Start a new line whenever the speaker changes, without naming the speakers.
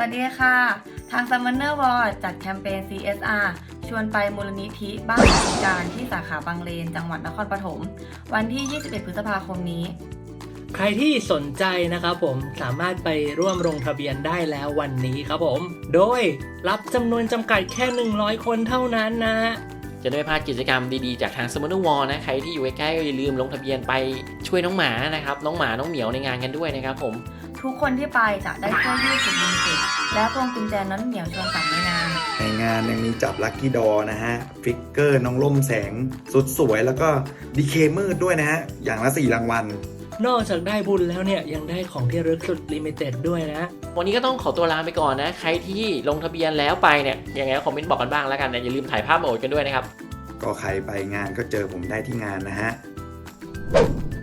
วัสดีค่ะทาง Summoner War จัดแคมเปญ CSR ชวนไปมูลนิธิบ้านพิการที่สาขาบางเลนจังหวัดนครปฐมวันที่ 21 พฤษภาคมนี้
ใครที่สนใจนะครับผมสามารถไปร่วมลงทะเบียนได้แล้ววันนี้ครับผมโดยรับจำนวนจำกัดแค่100 คนเท่านั้นนะ
จะได้ไม่พลาดกิจกรรมดีๆจากทาง Summoner War นะใครที่อยู่ใกล้ๆก็อย่าลืมลงทะเบียนไปช่วยน้องหมานะครับน้องหมาน้องเหมียวในงานกันด้วยนะครับผม
ทุกคนที่ไปจะได้เสื้อยืดสุดลิมิเต็ดและพวงกุญแจน้องเหมียวชวนกลับในงาน
ในงานยังมีจับลัคกี้ดอนะฮะฟิกเกอร์น้องล่มแสงสุดสวยแล้วก็ดีเคมืดด้วยนะฮะอย่างละ4 รางวัล
นอกจากได้บุญแล้วเนี่ยยังได้ของที่ระลึกสุดลิมิเต็ดด้วยนะ
วันนี้ก็ต้องขอตัวลาไปก่อนนะใครที่ลงทะเบียนแล้วไปเนี่ยยังไงก็คอมเมนต์บอกกันบ้างแล้วกันนะอย่าลืมถ่ายภาพมาอวดกันด้วยนะครับ
ก็ใครไปงานก็เจอผมได้ที่งานนะฮะ